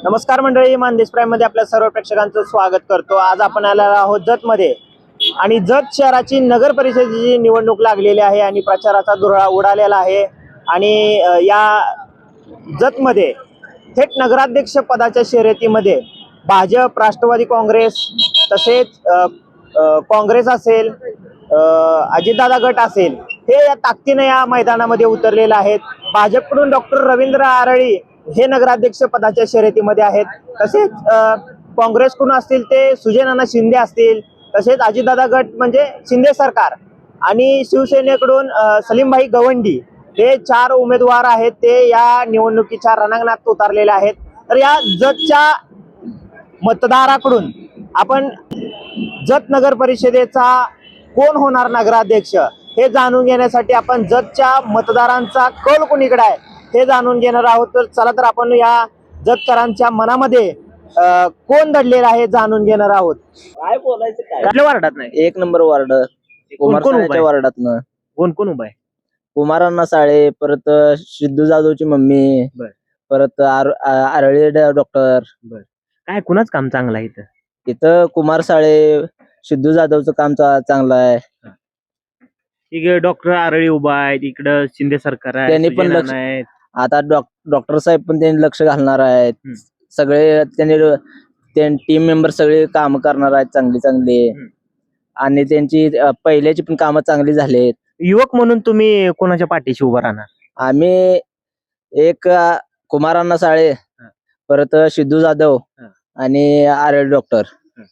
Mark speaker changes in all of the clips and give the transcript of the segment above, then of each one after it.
Speaker 1: नमस्कार मंडळी, मानदेश प्राईम मध्ये आपल्या सर्व प्रेक्षकांचं स्वागत करतो। आज आपण आलेलो आहोत जत मध्ये आणि जत शहराची नगर परिषदेची निवडणूक लागलेली आहे आणि प्रचाराचा धुरळा उडालेला आहे। आणि या जत मध्ये थेट नगराध्यक्ष पदाच्या शर्यतीमध्ये भाजप, राष्ट्रवादी काँग्रेस तसेच काँग्रेस असेल, अजितदादा गट असेल, हे या ताकदीने या मैदानामध्ये उतरलेले आहेत। भाजपकडून डॉक्टर रवींद्र आरळी हे नगराध्यक्ष पदाच्या शर्यतीमध्ये आहेत। तसेच काँग्रेसकडून असतील ते सुजय शिंदे असतील, तसेच अजितदादा गट म्हणजे शिंदे सरकार आणि शिवसेनेकडून सलीमभाई गवंडी हे 4 उमेदवार आहेत, ते या निवडणुकीच्या रणांगणात उतरलेले आहेत। तर या जतच्या मतदाराकडून आपण जत नगर परिषदेचा कोण होणार नगराध्यक्ष हे जाणून घेण्यासाठी आपण जतच्या मतदारांचा कल कोणीकडे आहे हे जाणून घेणार आहोत। तर चला तर आपण या जतकरांच्या मनामध्ये कोण दडलेला आहे जाणून घेणार आहोत।
Speaker 2: काय बोलायचं काय
Speaker 1: कुठल्या वार्डात नाही?
Speaker 2: 1 नंबर वार्ड कुमारसाळेच्या वार्डातनं
Speaker 1: कोण कोण उभा आहे?
Speaker 2: कुमारांना साळे, परत सिद्धू जाधवची मम्मी, परत आरळी डॉक्टर।
Speaker 1: काय कुणाच काम चांगलं आहे इथं?
Speaker 2: इथं कुमार साळे, सिद्धू जाधवचं काम चांगलं आहे।
Speaker 1: इकडे डॉक्टर आरळी उभा आहे, इकडं शिंदे सरकार आहे,
Speaker 2: त्यांनी पण लक्ष आता डॉक्टर साहेब पण त्यांनी लक्ष घालणार आहेत। सगळे त्यांनी टीम मेंबर सगळे काम करणार आहेत चांगली चांगली, आणि त्यांची पहिल्याची पण कामं चांगली झालीत।
Speaker 1: युवक म्हणून तुम्ही कोणाच्या पाठीशी उभा राहणार?
Speaker 2: आम्ही एक कुमारांना साळे, परत सिद्धू जाधव आणि आरळी डॉक्टर।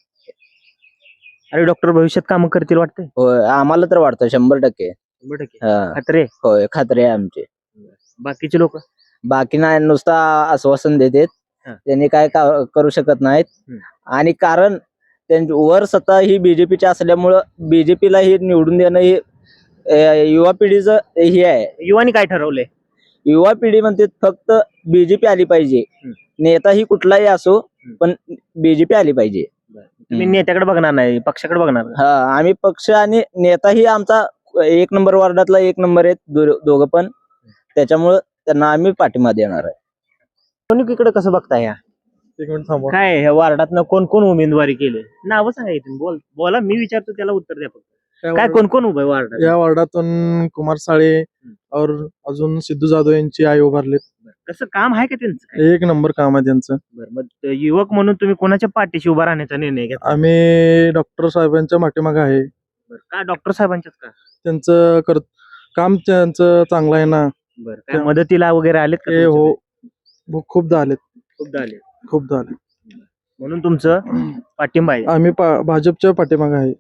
Speaker 1: अरे डॉक्टर भविष्यात काम करतील वाटतंय?
Speaker 2: होय, आम्हाला तर वाटतं 100%।
Speaker 1: खात्री?
Speaker 2: होय, खात्री आहे आमची।
Speaker 1: बाकीचे लोक
Speaker 2: बाकी नाही, नुसता आश्वासन देतात, त्यांनी काय करू शकत नाहीत। आणि कारण त्यांची वर सत्ता ही बीजेपीची असल्यामुळं बीजेपीला ही निवडून देणं ही युवा पिढीचं हे आहे।
Speaker 1: युवानी काय ठरवलंय?
Speaker 2: युवा पिढी म्हणते फक्त बीजेपी आली पाहिजे, नेता ही कुठलाही असो पण बीजेपी आली पाहिजे।
Speaker 1: तुम्ही नेत्याकडे बघणार नाही, पक्षाकडे बघणार?
Speaker 2: हा, आम्ही पक्ष आणि नेता ही आमचा 1 नंबर वार्डातला 1 नंबर आहेत दोघं पण, त्याच्यामुळं त्यांना आम्ही पाठिंबा देणार आहे।
Speaker 1: निवडणुकीकडे कसं बघताय? या
Speaker 3: एक मिनिट थांबा।
Speaker 1: काय ह्या वार्डातनं कोण कोण उमेदवारी केली? नावं सांगा इथून, बोला, मी विचारतो त्याला उत्तर द्या फक्त। काय कोण कोण उभं आहे वार्डात?
Speaker 3: या वार्डातून कुमार साळे और अजून सिद्धू जाधव यांची आई उभारलेत।
Speaker 1: कसं काम आहे का त्यांचं?
Speaker 3: 1 नंबर काम आहे त्यांचं।
Speaker 1: मग युवक म्हणून तुम्ही कोणाच्या पाठीशी उभा राहण्याचा निर्णय घेतला?
Speaker 3: आम्ही डॉक्टर साहेबांच्या पाठीमागे आहे।
Speaker 1: का डॉक्टर साहेबांच्याच का?
Speaker 3: त्यांचं काम त्यांचं चांगलं आहे ना।
Speaker 1: काय मदतीला वगैरे आलेत का
Speaker 3: ते
Speaker 1: तुमच्या?
Speaker 3: हो, खूपदा आलेत।
Speaker 1: खूपदा आले म्हणून तुमचं पाठिंबा आहे?
Speaker 3: आम्ही भाजपच्या पाठीमागे आहे।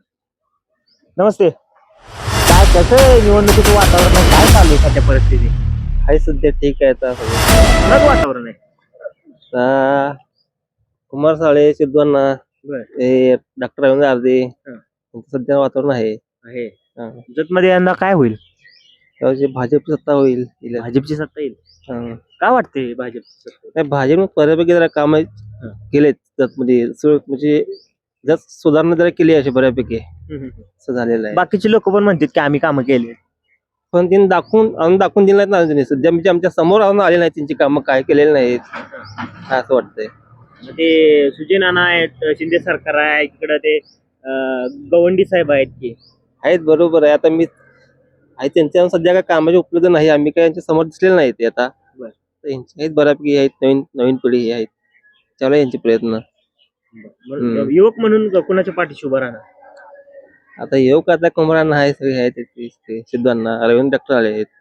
Speaker 1: नमस्ते, काय कसं आहे निवडणुकीचं वातावरण? काय चालू आहे सध्या परिस्थिती?
Speaker 2: आहे सध्या ठीक आहे।
Speaker 1: कुणाचं वातावरण आहे?
Speaker 2: कुमार साळे, सिद्धूंना, डॉक्टर रवींद्र आरती, सध्या वातावरण आहे।
Speaker 1: जत मध्ये यंदा काय होईल?
Speaker 2: भाजपची सत्ता होईल।
Speaker 1: भाजपची सत्ता येईल? काय वाटते भाजपची सत्ता?
Speaker 2: नाही, भाजपने बऱ्यापैकी जरा काम केलेत म्हणजे जर सुधारणा जरा केली अशी बऱ्यापैकी असं झालेलं आहे।
Speaker 1: बाकीचे लोक पण म्हणतात की आम्ही कामं केली,
Speaker 2: पण त्यांनी दाखवून दिलं नाही ना। सध्या म्हणजे आमच्या समोर आले नाहीत, त्यांची कामं काय केलेली नाहीत असं वाटतंय।
Speaker 1: ते सुजय नाना आहेत, शिंदे सरकार आहे, इकडं ते गवंडी साहेब आहेत की
Speaker 2: आहेत, बरोबर आहे। आता मी आहे त्यांच्या सध्या काय कामाचे उपलब्ध नाही, आम्ही काय यांच्या समोर दिसलेले नाहीत ते आता। यांचे आहेत बऱ्यापैकी, आहेत नवीन पिढी आहेत, चालू यांचे प्रयत्न।
Speaker 1: युवक म्हणून कोणाच्या पाठीशी उभा राहणार?
Speaker 2: आता येऊ का, आता कुमारांना आहे, सगळे आहेत, सिद्धूंना, रवींद्र डॉक्टर आले आहेत।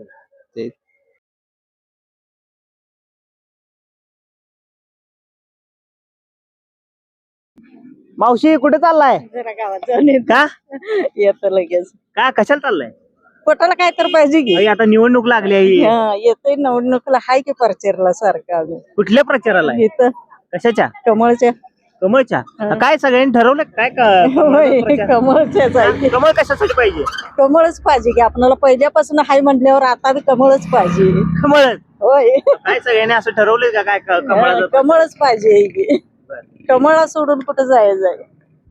Speaker 1: मावशी कुठे चाललाय?
Speaker 4: जरा गावात जाऊन
Speaker 1: का?
Speaker 4: येत लगेच
Speaker 1: का कशाला चाललाय?
Speaker 4: पोटाला काय तर पाहिजे की
Speaker 1: अरे आता निवडणूक लागली आहे.
Speaker 4: येतोय निवडणुकीला हाय की परचेरला सारखं आम्ही
Speaker 1: कुठल्या प्रचाराला आहे?
Speaker 4: इथं
Speaker 1: कशाच्या?
Speaker 4: कमळच्या
Speaker 1: कमळच्या? काय सगळ्यांनी ठरवलं काय
Speaker 4: कमळच्याच आहे.
Speaker 1: कमळ कशासाठी पाहिजे?
Speaker 4: कमळच पाहिजे की आपल्याला पहिल्यापासून हाय म्हटल्यावर आता बी कमळच पाहिजे.
Speaker 1: कमळ
Speaker 4: होय,
Speaker 1: काय सगळ्यांनी असं ठरवलंय का काय कमळाचं?
Speaker 4: कमळच पाहिजे की. कमळा सोडून कुठं जायचं?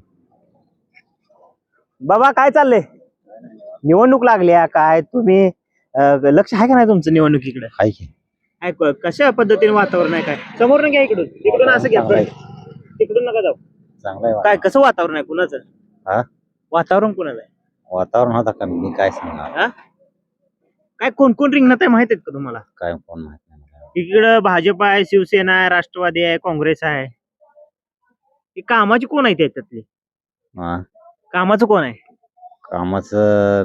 Speaker 1: बाबा काय चाललंय? निवडणूक लागली काय तुम्ही लक्ष आहे का नाही तुमचं निवडणुकीकडे? कशा पद्धतीने वातावरण आहे काय समोर घ्या इकडून असं घ्या बरं. तिकडून नका जाऊ
Speaker 2: चांगलं आहे
Speaker 1: काय कसं वातावरण आहे कुणाचं वातावरण कुणाचं आहे
Speaker 2: वातावरण होता का मी काय सांगणार
Speaker 1: हा काय कोण कोण रिंगणात आहे माहित आहेत का तुम्हाला
Speaker 2: काय कोण माहित नाही
Speaker 1: इकडं भाजप आहे शिवसेना आहे राष्ट्रवादी आहे काँग्रेस आहे ही कामाची कोण आहे त्याच्यातली कामाचं कोण आहे
Speaker 2: कामाचं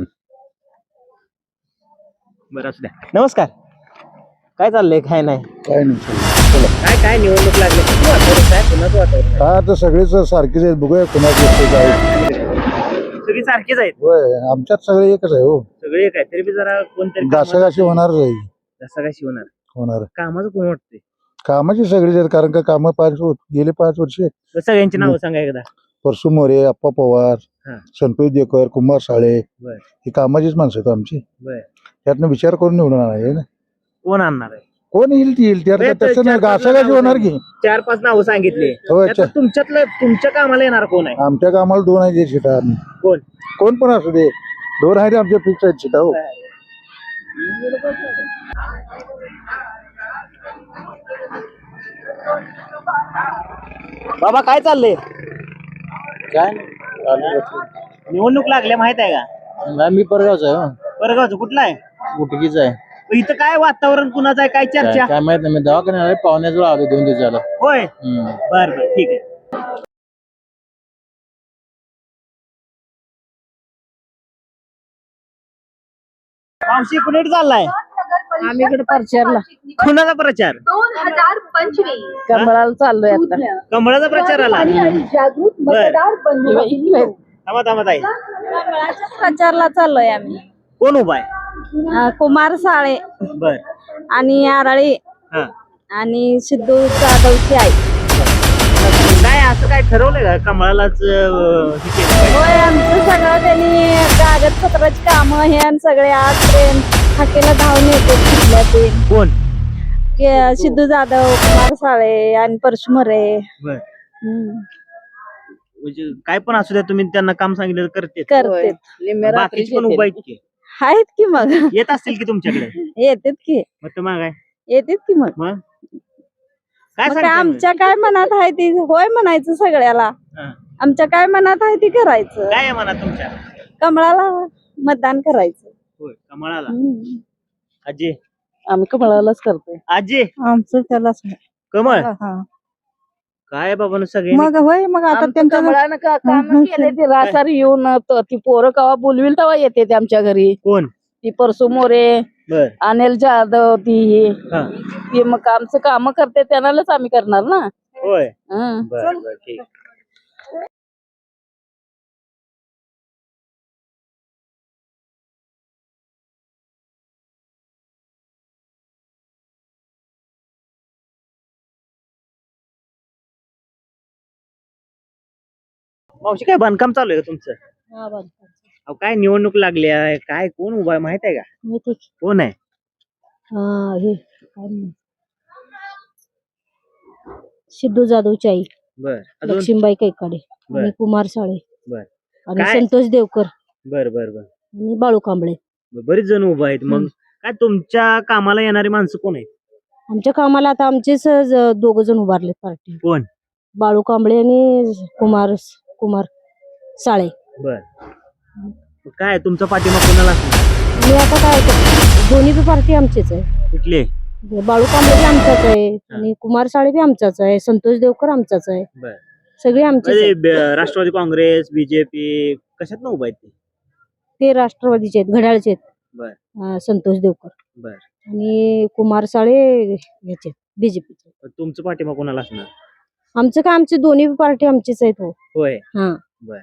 Speaker 1: बरं असू द्या नमस्कार काय चाललंय काय नाही
Speaker 5: काय नाही
Speaker 1: काय काय निवडणूक लागली किती वातावरण काय कुणाचं वातावरण
Speaker 5: काय आता सगळेच सारखेच आहेत बघूया कुणाची असते काय
Speaker 1: सगळी सारखीच आहेत
Speaker 5: होय आमच्यात सगळे एकच आहे हो
Speaker 1: सगळे काय तरी बी जरा कोणतरी
Speaker 5: घासाघाशी होणारच आहे
Speaker 1: घासाघाशी
Speaker 5: होणार
Speaker 1: कामाचं कोण वाटतंय
Speaker 5: कामाची सगळीच आहेत कारण का कामं गेले 5 वर्ष
Speaker 1: सगळ्यांची नावं सांगा एकदा
Speaker 5: परसू मोरे अप्पा पवार
Speaker 1: हा.
Speaker 5: संतोष देकर कुमार साळे
Speaker 1: बर.
Speaker 5: ही कामाचीच माणसं आहेत आमची
Speaker 1: बर
Speaker 5: त्यातनं विचार करून निवडून आणायचे ना
Speaker 1: कोण आणणार आहे
Speaker 5: कोण येईल ती येईल त्यात तसं नाही घासाघाशी होणार की
Speaker 1: 4-5 नावं सांगितले
Speaker 5: होय,
Speaker 1: त्यातलं तुमच्यातलं तुमच्या कामाला येणार कोण आहे
Speaker 5: आमच्या कामाला 2 आहेत सीटा
Speaker 1: कोण
Speaker 5: कोण पण असू दे 2 आहेत आमच्या फिक्स आहेत सीटा हो
Speaker 1: बाबा काय चाललंय
Speaker 2: काय
Speaker 1: निवडणूक लागल्या माहित आहे का
Speaker 2: मी परगावचा आहे
Speaker 1: परगावचं कुठला आहे
Speaker 2: गुटकीचा आहे
Speaker 1: इथं काय वातावरण कुणाचं आहे काय चर्चा
Speaker 2: काय माहित नाही मी दवाखान्याला पाहुण्याजवळ आलो 2 दिवसाला
Speaker 1: होय बर बर ठीक आहे मावशी कुणीकडे चाललाय
Speaker 4: आम्ही इकडे प्रचारला
Speaker 1: कुणाचा प्रचार
Speaker 6: 2025
Speaker 4: कमळाला चाललोय आता
Speaker 1: कमळाचा प्रचार आला
Speaker 6: जागृत
Speaker 1: बर
Speaker 6: मतदार
Speaker 1: थांबा ताई
Speaker 4: कमळाच्या प्रचारला चाललोय आम्ही
Speaker 1: कोण उभा आहे
Speaker 4: कुमार साळे
Speaker 1: बर
Speaker 4: आणि आराळी
Speaker 1: हा
Speaker 4: आणि सिद्धू जाधवची आई
Speaker 1: काय असं काय ठरवलंय का कमळालाच हे केलं पाहिजे?
Speaker 4: होय आमचं सगळं त्यांनी कागदपत्राची कामं हे आणि सगळे आजपर्यंत हाकेला धावून येतो कुठल्या ते
Speaker 1: कोण
Speaker 4: सिद्धू जाधव कुमार साळे आणि परशुमरे
Speaker 1: बर म्हणजे काय पण असू द्या तुम्ही त्यांना काम सांगितलं करते
Speaker 4: करते
Speaker 1: बाकीची पण उभा आहेत की
Speaker 4: आहेत की मग
Speaker 1: येत असतील की तुमच्याकडे
Speaker 4: येतात की
Speaker 1: मग तर मग काय
Speaker 4: येतात की मग
Speaker 1: मग काय
Speaker 4: मग
Speaker 1: सांगताय मग?
Speaker 4: आमच्या काय मनात आहे ती होय म्हणायचं सगळ्याला
Speaker 1: हा.
Speaker 4: आमच्या काय मनात आहे ती करायचं
Speaker 1: काय आहे म्हणा तुमच्या
Speaker 4: कमळाला मतदान करायचं
Speaker 1: होय कमळाला आजी
Speaker 4: आम्ही कमळालाच करतोय
Speaker 1: आजी
Speaker 4: आमचं त्यालाच
Speaker 1: कमळ काय बाबा सगळे
Speaker 4: मग होय मग आता त्यांच्या
Speaker 7: काम केले ते रासारी येऊन ती पोरं कवा बोलविल तेव्हा येते ते आमच्या घरी
Speaker 1: कोण
Speaker 7: ती परसू मोरे
Speaker 1: बर
Speaker 7: अनिल जाधव ती
Speaker 1: हा
Speaker 7: ती मग आमचं काम करते त्यांनाच आम्ही करणार ना
Speaker 1: होय
Speaker 7: हं.
Speaker 1: बर बर ठीक मावशी काय बांधकाम चालू आहे का तुमचं अहो काय निवडणूक लागली आहे काय कोण उभा आहे माहित आहे का कोण आहे
Speaker 6: सिद्धू जाधवची आई
Speaker 1: बर अजून
Speaker 6: लक्ष्मीबाई कैकाडे
Speaker 1: बर.
Speaker 6: आणि कुमार साळे
Speaker 1: बर
Speaker 6: आणि
Speaker 1: काय?
Speaker 6: संतोष देवकर
Speaker 1: बर बर बर
Speaker 6: आणि बाळू कांबळे
Speaker 1: बरीच जण उभा आहेत मग काय तुमच्या कामाला येणारी माणसं कोण आहेत
Speaker 6: आमच्या कामाला आता आमचेच 2 जण उभारले पार्टी
Speaker 1: कोण
Speaker 6: बाळू कांबळे आणि कुमार साळे
Speaker 1: बर मग काय तुमचा पाठिंबा कोणाला असणार?
Speaker 6: मी आता काय करतो, दोन्ही बी पार्टी आमचीच आहे.
Speaker 1: कुठले
Speaker 6: बाळू कांबळे बी आमचाच आहे आणि कुमार साळे बी आमचाच आहे, संतोष देवकर आमचाच आहे,
Speaker 1: बर
Speaker 6: सगळे आमचेच
Speaker 1: म्हणजे
Speaker 6: आहेत.
Speaker 1: राष्ट्रवादी काँग्रेस बीजेपी कशात ना उभा आहेत ते?
Speaker 6: ते राष्ट्रवादीचे आहेत, घड्याळचे
Speaker 1: बर
Speaker 6: आहेत, संतोष देवकर
Speaker 1: बर
Speaker 6: आणि कुमार साळे याचे बीजेपीचे.
Speaker 1: मग तुमचं पाठिंबा कोणाला असणार?
Speaker 6: आमचं काय आमचे दोन्ही पार्टी आमचीच आहेत हो.
Speaker 1: होय
Speaker 6: हा
Speaker 1: बर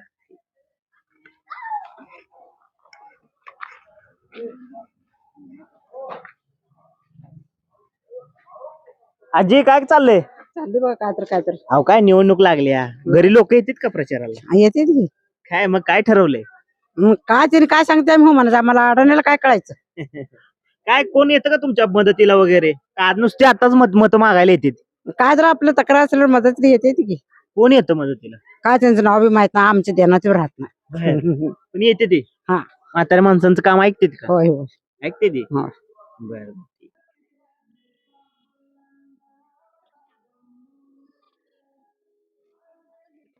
Speaker 1: आजी काय चाललंय?
Speaker 4: चालली बघा काय तर
Speaker 1: अहो काय निवडणूक लागल्या घरी लोक येतात का प्रचाराला?
Speaker 4: येते की
Speaker 1: काय मग काय ठरवलंय?
Speaker 4: मग काय तरी काय सांगते हो म्हणायचं आम्हाला अडवण्याला काय कळायचं.
Speaker 1: काय कोण येतं का तुमच्या मदतीला वगैरे? का आज नुसते आताच मत मागायला येतात?
Speaker 4: काय जर आपलं तक्रार असल्यावर मदत तरी येते की
Speaker 1: कोण येतं मदतीला?
Speaker 4: काय त्यांचं नाव बी माहित नाही आमच्या ध्यानात राहत नाही.
Speaker 1: पण येते ते
Speaker 4: हा.
Speaker 1: म्हाताऱ्या माणसांचं काम ऐकते का?
Speaker 4: होय होय
Speaker 1: ऐकते ते
Speaker 4: हा.
Speaker 1: बर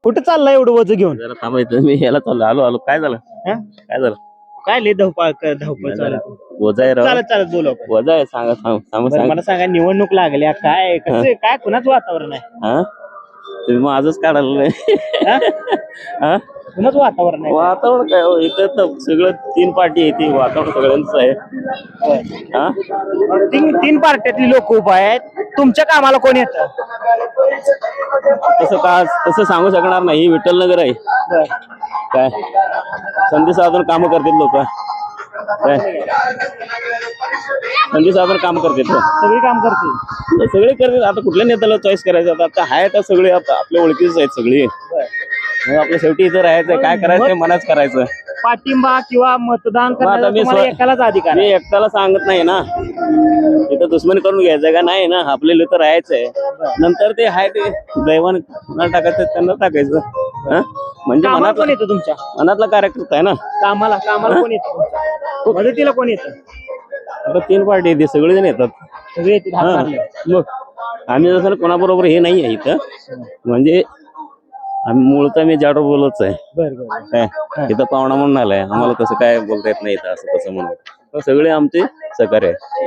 Speaker 1: कुठं चाललंय एवढं वज घेऊन?
Speaker 8: जरा थांबायचं मी याला चाललो आलो काय झालं
Speaker 1: हा?
Speaker 8: काय झालं
Speaker 1: काय लय धावपळ धावपळ चालू आहे?
Speaker 8: वजा आहे राव
Speaker 1: चालत चालत बोलू आपण.
Speaker 8: वजा आहे सांगा सांग
Speaker 1: बरं, मला सांगा निवडणूक लागल्या काय कसं काय कुणाचं वातावरण आहे?
Speaker 8: हा तुम्ही मग आजच काढायला
Speaker 1: हा?
Speaker 8: हा
Speaker 1: कुणाचं वातावरण आहे?
Speaker 8: वातावरण काय हो इथं तर सगळं 3 पार्टी आहे ती वातावरण सगळ्यांचं आहे हा
Speaker 1: तीन पार्ट्यातली लोक उभा आहेत. तुमच्या कामाला कोण येतं?
Speaker 8: तसं सांगू शकणार नाही विठ्ठल नगर आहे काय संधी साधून काम करतील लोक काय संधी साधून काम करतील
Speaker 1: सगळी काम करतील.
Speaker 8: सगळे करतील आता कुठल्या नेत्याला चॉईस करायचं आता आहे तर सगळे आता आपल्या ओळखीच आहेत सगळी मग आपल्या शेवटी इथं राहायचं काय करायचं ते मनाच करायचं
Speaker 1: पाठिंबा किंवा मतदान
Speaker 8: आता
Speaker 1: करण्याचा
Speaker 8: मी
Speaker 1: तुम्हाला एकालाच अधिकार
Speaker 8: मी
Speaker 1: आहे.
Speaker 8: एकट्याला सांगत नाही ना इथं दुश्मनी करून घ्यायचं का नाही ना आपल्याला इथं राहायचंय नंतर ते आहे ते दैवान टाकायचं त्यांना टाकायचं हा म्हणजे
Speaker 1: कामाला कोण
Speaker 8: मनातला
Speaker 1: येतं तुमच्या?
Speaker 8: मनातला कार्यकर्ता आहे ना
Speaker 1: कामाला कोण येतं तुमच्या? मदतीला कोण येतं?
Speaker 8: आता 3 पार्टी येते सगळेजण येतात
Speaker 1: सगळे येतील हात
Speaker 8: हा
Speaker 1: मारले.
Speaker 8: मग आम्ही जसं कोणाबरोबर हे नाही आहे इथं म्हणजे आम्ही मूळचा मी जाडो बोलतच आहे
Speaker 1: बरं
Speaker 8: काय इथं पाहुणा म्हणून आलाय आम्हाला तसं काय बोलता येत नाही इथं असं तसं म्हणून तर सगळे आमचे सहकार्य आहे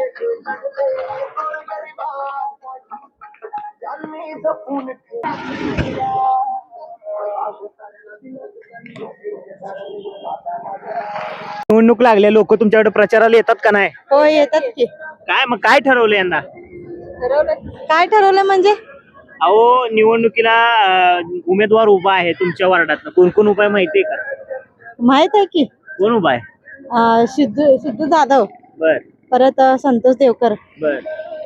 Speaker 1: निवडणूक लागल्या लोक तुमच्याकडे प्रचाराला येतात का नाही?
Speaker 6: हो येतात की.
Speaker 1: काय मग काय ठरवलं यंदा?
Speaker 6: काय ठरवलं म्हणजे?
Speaker 1: अहो निवडणुकीला उमेदवार उभा आहे तुमच्या वार्डात. कोण कोण उभा आहे माहितीये का?
Speaker 6: माहित आहे की.
Speaker 1: कोण उभा आहे?
Speaker 6: सिद्धू जाधव,
Speaker 1: बर
Speaker 6: परत संतोष देवकर,
Speaker 1: बर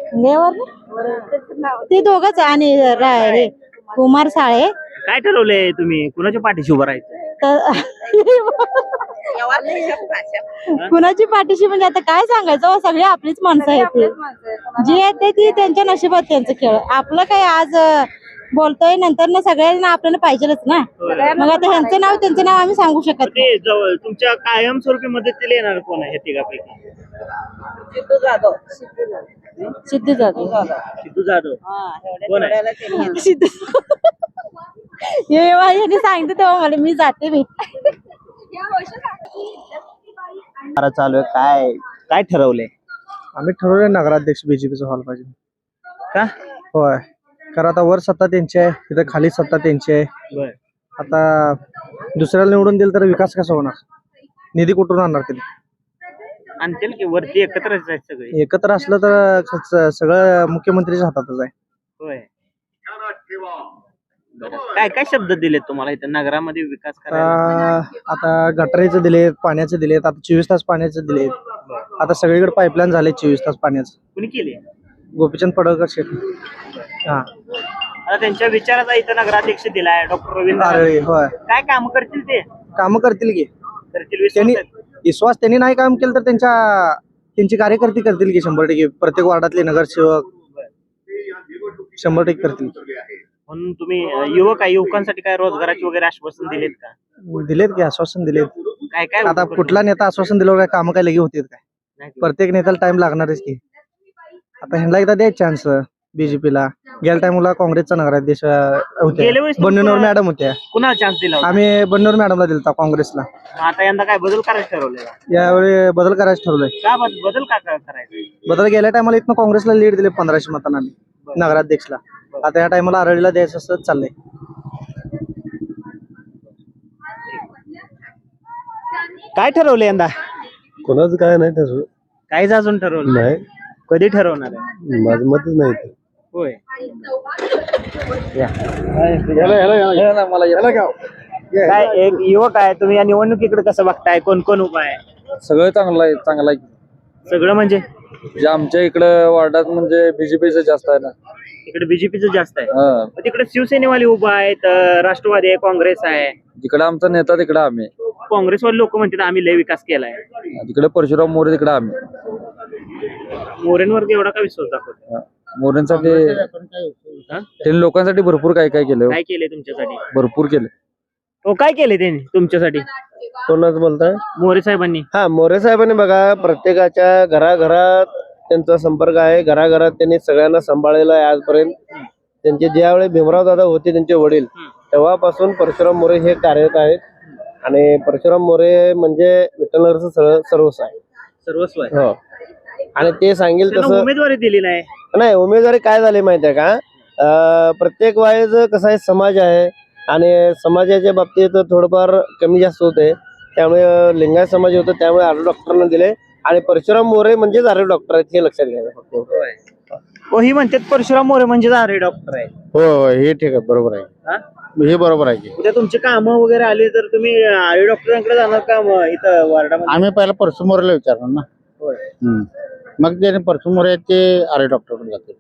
Speaker 6: ते दोघच आणि हे कुमार साळे.
Speaker 1: काय ठरवलंय तुम्ही कुणाच्या पाठीशी उभं राहायचं?
Speaker 6: कुणाची पाठीशी म्हणजे आता काय सांगायचं हो, सगळे आपलीच माणसं आहेत ते. जी आहेत ते ती त्यांच्या नशिबात त्यांचं खेळ. आपलं काय आज बोलतोय नंतर ना सगळ्यांना आपल्याला पाहिजेलच ना. मग आता ह्यांचं नाव त्यांचं नाव आम्ही सांगू शकत नाही.
Speaker 1: ते जवळ तुमच्या कायमस्वरूपी मदतीला येणार कोण आहे ह्या तिघापैकी?
Speaker 6: सिद्धू जाधव.
Speaker 1: सिद्धू जाधव कोण आहे?
Speaker 6: सिद्धू हे सांगते तेव्हा मला मी जाते मी.
Speaker 1: चालू आहे काय काय ठरवलंय?
Speaker 3: आम्ही ठरवलंय नगराध्यक्ष बीजेपीचा व्हायला पाहिजे.
Speaker 1: का?
Speaker 3: होय कारण आता वर सत्ता त्यांची आहे तिथे खाली सत्ता त्यांची आहे.
Speaker 1: बर
Speaker 3: आता दुसऱ्याला निवडून दिलं तर विकास कसा होणार? निधी कुठून आणणार त्यांनी?
Speaker 1: आणतील की वरती एकत्रच आहेत सगळे.
Speaker 3: एकत्र असलं तर सगळं मुख्यमंत्रीच्या हातातच आहे.
Speaker 1: होय काय काय शब्द दिलेत तुम्हाला इथं नगरामध्ये विकास करायला?
Speaker 3: आता गटारीचं दिलेत, पाण्याचे दिलेत, आता 24 तास पाण्याचे दिलेत. आता सगळीकडे पाईपलाईन झाले 24 तास पाण्याचं.
Speaker 1: कुणी केले?
Speaker 3: गोपीचंद पडळकर शेठ. हा
Speaker 1: आता त्यांच्या विचाराचा इथं नगराध्यक्ष दिलाय डॉक्टर रवींद्र
Speaker 3: नारळी. होय
Speaker 1: काय काम करतील ते?
Speaker 3: कामं करतील की
Speaker 1: करतील
Speaker 3: त्यांनी.
Speaker 1: विश्वास आहे?
Speaker 3: विश्वास त्यांनी नाही काम केलं तर त्यांची कार्यकर्ते करतील की 100%. प्रत्येक वार्डातले नगरसेवक 100% करतील.
Speaker 1: म्हणून तुम्ही युवक आहे युवकांसाठी काय रोजगाराची वगैरे आश्वासन दिलेत का?
Speaker 3: दिलेत की आश्वासन दिलेत.
Speaker 1: काय काय
Speaker 3: आता कुठला नेता आश्वासन दिलं काय कामं काय लगे होतील काय?
Speaker 1: नाही.
Speaker 3: प्रत्येक नेत्याला टाइम लागणारच की. आता ह्यांना एकदा द्यायच चान्स बीजेपीला. गेल्या टाइमला काँग्रेसचा नगराध्यक्ष होते
Speaker 1: गेल्या वेळेस
Speaker 3: बन्नूर मॅडम होत्या.
Speaker 1: कुणाला चान्स दिला होता?
Speaker 3: आम्ही बन्नूर मॅडमला दिलता काँग्रेसला.
Speaker 1: मग आता यंदा काय बदल करायचं ठरवलंय?
Speaker 3: यावेळी बदल करायचं ठरवलंय.
Speaker 1: का बदल का करायचं?
Speaker 3: बदल गेल्या टायमाला इथनं काँग्रेसला लीड दिले 1500 मतांना आम्ही नगराध्यक्षला. आता या टायमाला आरळीला द्यायचं असं चाललंय.
Speaker 1: काय ठरवलं यंदा?
Speaker 5: कोणाचं काय नाही तसं
Speaker 1: काहीच अजून ठरवलं
Speaker 5: नाही.
Speaker 1: कधी ठरवणार आहे?
Speaker 5: माझं मतच नाही.
Speaker 1: होय काय एक युवक आहे तुम्ही या निवडणुकीकडे कसं बघताय? कोण कोण उभा आहे?
Speaker 2: सगळं चांगलं आहे.
Speaker 1: सगळं म्हणजे
Speaker 2: आमच्या इकडे वार्डात म्हणजे बीजेपीचं जास्त आहे ना.
Speaker 1: तिकडे बीजेपीचं जास्त आहे. मग तिकडे शिवसेनेवाले उभा आहेत, राष्ट्रवादी आहे, काँग्रेस आहे.
Speaker 2: जिकडे आमचा नेता तिकडे आम्ही.
Speaker 1: काँग्रेसवाले लोक म्हणतात आम्ही लय विकास केलाय.
Speaker 2: तिकडे परशुराम मोरे तिकडे आम्ही.
Speaker 1: मोरेंवर एवढा का विश्वास दाखवतो?
Speaker 2: मोरेंसाठी त्यांनी लोकांसाठी भरपूर काय काय केलं.
Speaker 1: काय केले तुमच्यासाठी?
Speaker 2: भरपूर केले.
Speaker 1: हो काय केले त्यांनी तुमच्यासाठी?
Speaker 5: कोणाच बोलताय?
Speaker 1: मोरे साहेबांनी.
Speaker 5: हा मोरे साहेबांनी बघा प्रत्येकाच्या घराघरात त्यांचा संपर्क आहे. घराघरात त्यांनी सगळ्यांना सांभाळलेला आहे आजपर्यंत. त्यांचे ज्यावेळी भीमराव दादा होते त्यांचे वडील तेव्हापासून परशुराम मोरे हे कार्यरत आहेत आणि परशुराम मोरे म्हणजे विठ्ठलनगरचं सर्वस्व आहे.
Speaker 1: सर्वस्व आहे.
Speaker 5: हो आणि ते सांगेल
Speaker 1: त्यांना
Speaker 5: तसं
Speaker 1: उमेदवारी दिली नाही.
Speaker 5: नाही. उमेदवारी काय झाली माहिती आहे का, प्रत्येक वेळेस कसं आहे, समाज आहे आणि समाजाच्या बाबतीत थोडंफार कमी जास्त होते. त्यामुळे लिंगायत समाज होतं, त्यामुळे आरोग्य डॉक्टरांना दिले आणि परशुराम मोरे म्हणजेच आरोग्य डॉक्टर आहेत हे लक्षात घ्यायचं फक्त.
Speaker 1: हो, ही म्हणतात परशुराम मोरे म्हणजे आरे डॉक्टर आहे.
Speaker 5: हो हे ठीक आहे, बरोबर आहे. हे बरोबर आहे की
Speaker 1: उद्या तुमची कामं वगैरे आली तर तुम्ही आरे डॉक्टरांकडे जाणार का इथं वार्डामध्ये?
Speaker 9: आम्ही पहिला परसू मोरेला विचारणार ना.
Speaker 1: होय.
Speaker 9: मग त्याने परसू मोरे ते आरे डॉक्टरकडे जातील.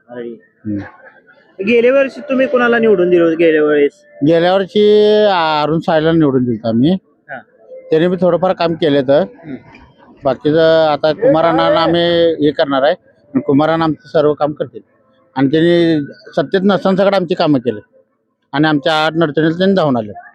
Speaker 1: गेल्या वर्षी तुम्ही कोणाला निवडून दिलं होतं गेल्या वेळेस?
Speaker 9: गेल्या वर्षी अरुण साहेला निवडून दिलं आम्ही.
Speaker 1: हा.
Speaker 9: त्याने बी थोडंफार काम केलं तर बाकीचं आता कुमारांना आम्ही हे करणार आहे. कुमारांना आमचं सर्व काम करतील आणि त्यांनी सत्तेत नसताना सगळं आमची कामं केली आणि आमच्या अडचणीला त्यांनी धावून आले.